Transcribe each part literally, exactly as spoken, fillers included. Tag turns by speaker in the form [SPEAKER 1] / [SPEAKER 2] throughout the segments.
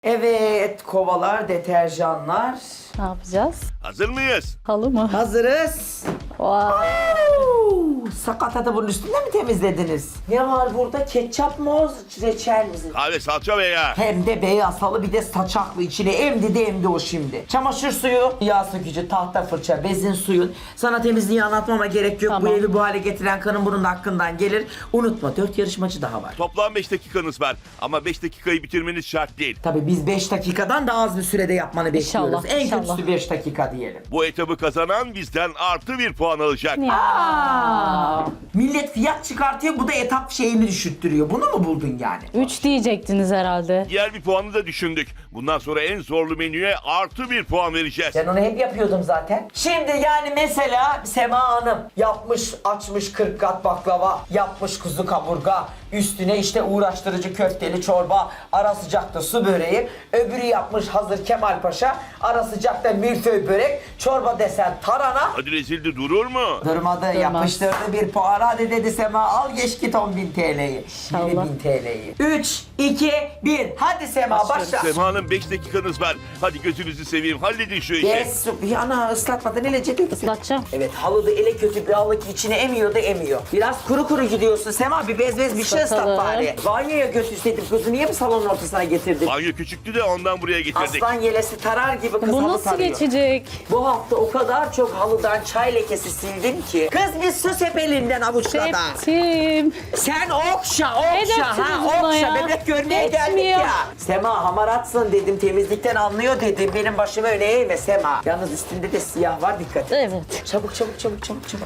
[SPEAKER 1] Evet, kovalar, deterjanlar.
[SPEAKER 2] Ne yapacağız?
[SPEAKER 3] Hazır mıyız?
[SPEAKER 2] Halı mı?
[SPEAKER 1] Hazırız.
[SPEAKER 2] Vay.
[SPEAKER 1] Oo, sakatatı bunun üstünde mi temizlediniz? Ne var burada? Ketçap mı, reçel mi?
[SPEAKER 3] Kahve, salça ve yağ.
[SPEAKER 1] Hem de beyaz halı, bir de saçaklı, içine emdi de emdi o şimdi. Çamaşır suyu, yağ sökücü, tahta fırça, bezin suyun. Sana temizliği anlatmama gerek yok.
[SPEAKER 2] Tamam.
[SPEAKER 1] Bu evi bu hale getiren kanın bunun hakkından gelir. Unutma, dört yarışmacı daha var.
[SPEAKER 3] Toplam beş dakikanız var. Ama beş dakikayı bitirmeniz şart değil.
[SPEAKER 1] Tabii biz beş dakikadan daha az bir sürede yapmanı bekliyoruz.
[SPEAKER 2] İnşallah,
[SPEAKER 1] En
[SPEAKER 2] inşallah.
[SPEAKER 1] kötüsü beş dakika diyelim.
[SPEAKER 3] Bu etabı kazanan bizden artı bir puan alacak.
[SPEAKER 1] Aa, millet fiyat çıkartıyor, bu da etap şeyini düşürttürüyor. Bunu mu buldun yani?
[SPEAKER 2] Üç diyecektiniz herhalde.
[SPEAKER 3] Diğer bir puanı da düşündük. Bundan sonra en zorlu menüye artı bir puan vereceğiz.
[SPEAKER 1] Ben onu hep yapıyordum zaten. Şimdi yani mesela Sema Hanım yapmış, açmış kırk kat baklava, yapmış kuzu kaburga, üstüne işte uğraştırıcı köfteli çorba, ara sıcakta su böreği, öbürü yapmış hazır Kemal Paşa, ara sıcakta milföy börek, çorba desen tarhana.
[SPEAKER 3] Hadi rezildi durur mu?
[SPEAKER 1] Durmadı, yapıştırdı bir puan. Hadi dedi Sema, al geç git on bin T L'yi.
[SPEAKER 2] İnşallah.
[SPEAKER 1] yirmi bin T L'yi. üç, iki, bir. Hadi Sema başla.
[SPEAKER 3] Sema'nın beş dakikanız var. Hadi gözünüzü seveyim, halledin şu işi.
[SPEAKER 1] Yes, yana ıslatmadan ele cedil.
[SPEAKER 2] Islatacağım.
[SPEAKER 1] Evet, halıda ele kötü bir halı ki içine emiyor da emiyor. Biraz kuru kuru gidiyorsun Sema, bir bez bez bir şey ıslat
[SPEAKER 2] Islatalım.
[SPEAKER 1] bari. Banyoya götürseydim kızı, niye mi salonun ortasına getirdin?
[SPEAKER 3] Banyo küçüktü de ondan buraya getirdik.
[SPEAKER 1] Aslan yelesi tarar gibi kız
[SPEAKER 2] Bu
[SPEAKER 1] halı
[SPEAKER 2] nasıl
[SPEAKER 1] tarıyor.
[SPEAKER 2] geçecek?
[SPEAKER 1] Bu hafta o kadar çok halıdan çay lekesi sildim ki. Kız bir sus hep elinden avuçla da.
[SPEAKER 2] Septim.
[SPEAKER 1] Sen okşa okşa
[SPEAKER 2] Edersiniz
[SPEAKER 1] ha
[SPEAKER 2] buna
[SPEAKER 1] okşa
[SPEAKER 2] ya.
[SPEAKER 1] bebek görmeye geldik
[SPEAKER 2] Geçmiyor.
[SPEAKER 1] ya. Sema hamaratsın dedim, temizlikten anlıyor dedim, benim başımı öne eğme Sema. Yalnız üstünde de siyah var, dikkat et.
[SPEAKER 2] Evet.
[SPEAKER 1] Çabuk çabuk çabuk çabuk çabuk.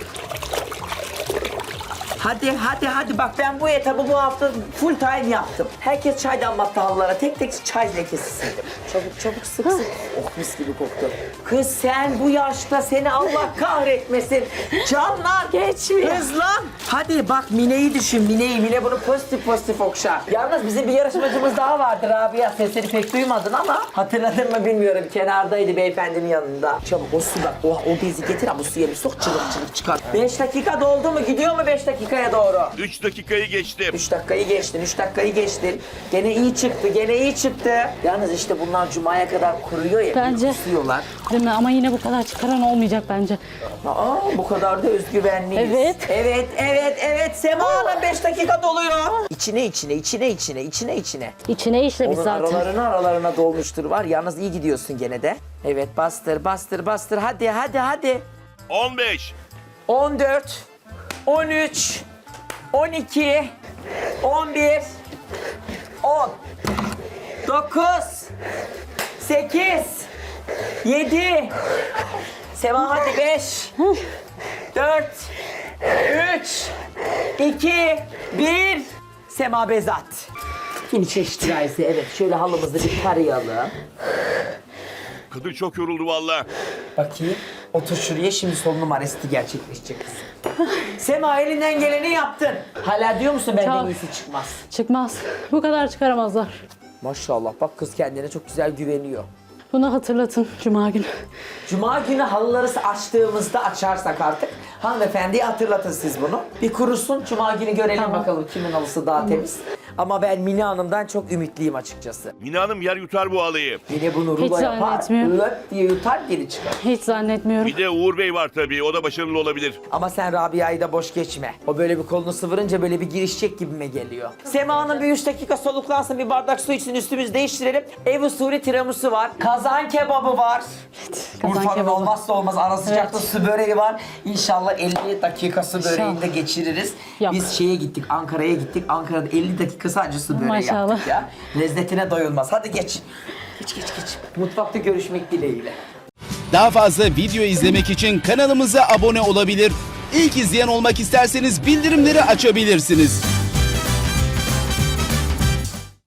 [SPEAKER 1] Hadi hadi hadi bak, ben bu etabı bu hafta full time yaptım. Herkes çay damlattı halılara, tek tek çay lekesi sildim. Çabuk çabuk sık sık. Oh mis gibi koktu. Kız sen bu yaşta, seni Allah kahretmesin. Canlar
[SPEAKER 2] Geçmiyor.
[SPEAKER 1] Kız lan. Hadi bak Mine'yi düşün, Mine'yi. Mine bunu pozitif pozitif okşar. Yalnız bizim bir yarışmacımız daha vardı Rabia. Sesini pek duymadın ama hatırladın mı bilmiyorum. Kenardaydı beyefendinin yanında. Çabuk o su bak. O, o bezi getir ama bu suya bir sok, çılık çılık çıkar. Beş dakika doldu mu? Gidiyor mu beş dakikaya doğru?
[SPEAKER 3] üç dakikayı geçtim.
[SPEAKER 1] Üç dakikayı geçtin, üç dakikayı geçtin. Gene iyi çıktı, gene iyi çıktı. Yalnız işte bunlar cumaya kadar kuruyor ya.
[SPEAKER 2] Bence.
[SPEAKER 1] Kusuyorlar.
[SPEAKER 2] Değil mi? Ama yine bu kadar çıkaran olmayacak bence.
[SPEAKER 1] Aa, bu kadar da özgüvenliyiz.
[SPEAKER 2] Evet.
[SPEAKER 1] Evet, evet, evet. Sema Hanım beş dakika doluyor. İçine, içine, içine, içine, içine, içine.
[SPEAKER 2] İçine işlemiş
[SPEAKER 1] Onun
[SPEAKER 2] zaten.
[SPEAKER 1] aralarına aralarına dolmuştur var. Yalnız iyi gidiyorsun gene de. Evet, bastır, bastır, bastır. Hadi, hadi, hadi.
[SPEAKER 3] on beş.
[SPEAKER 1] on dört, on üç, on iki, on bir, on, dokuz, sekiz, yedi, Sema hadi beş, dört, üç, iki, bir, Sema Bezat. Yeni çeşit gayesi, evet. Şöyle halımızı bir tarayalım.
[SPEAKER 3] Kadın çok yoruldu valla.
[SPEAKER 1] Bakayım. Otur şuraya, şimdi son numarası gerçekleşecek. Sema elinden geleni yaptın. Hala diyor musun benden
[SPEAKER 2] Çok.
[SPEAKER 1] iyisi çıkmaz?
[SPEAKER 2] Çıkmaz. Bu kadar çıkaramazlar.
[SPEAKER 1] Maşallah bak, kız kendine çok güzel güveniyor.
[SPEAKER 2] Bunu hatırlatın Cuma günü.
[SPEAKER 1] Cuma günü halıları açtığımızda, açarsak artık hanımefendiye hatırlatın siz bunu. Bir kurusun, Cuma günü görelim
[SPEAKER 2] Tamam.
[SPEAKER 1] bakalım kimin halısı daha temiz. Ama ben Mine Hanım'dan çok ümitliyim açıkçası.
[SPEAKER 3] Mine Hanım yer yutar bu halıyı.
[SPEAKER 1] Mine bunu
[SPEAKER 2] Hiç
[SPEAKER 1] rulo yapar,
[SPEAKER 2] zannetmiyorum.
[SPEAKER 1] löp diye yutar geri çıkar.
[SPEAKER 2] Hiç zannetmiyorum.
[SPEAKER 3] Bir de Uğur Bey var tabii. O da başarılı olabilir.
[SPEAKER 1] Ama sen Rabia'yı da boş geçme. O böyle bir kolunu sıvırınca böyle bir girişecek gibime geliyor. Sema'nın bir üç dakika soluklansın, bir bardak su içsin, üstümüzü değiştirelim. Ev usulü tiramisu var. Kazan kebabı var.
[SPEAKER 2] Kazan
[SPEAKER 1] Urfa'nın
[SPEAKER 2] kebabı.
[SPEAKER 1] olmazsa olmaz ara sıcakta
[SPEAKER 2] Evet.
[SPEAKER 1] su böreği var. İnşallah elli dakika su böreğini de geçiririz.
[SPEAKER 2] Yok.
[SPEAKER 1] Biz şeye gittik, Ankara'ya gittik. Ankara'da elli dakika sadece su böreği
[SPEAKER 2] Maşallah.
[SPEAKER 1] yaptık ya. Lezzetine doyulmaz. Hadi geç. Geç geç geç. Mutfakta görüşmek dileğiyle.
[SPEAKER 4] Daha fazla video izlemek için kanalımıza abone olabilir. İlk izleyen olmak isterseniz bildirimleri açabilirsiniz.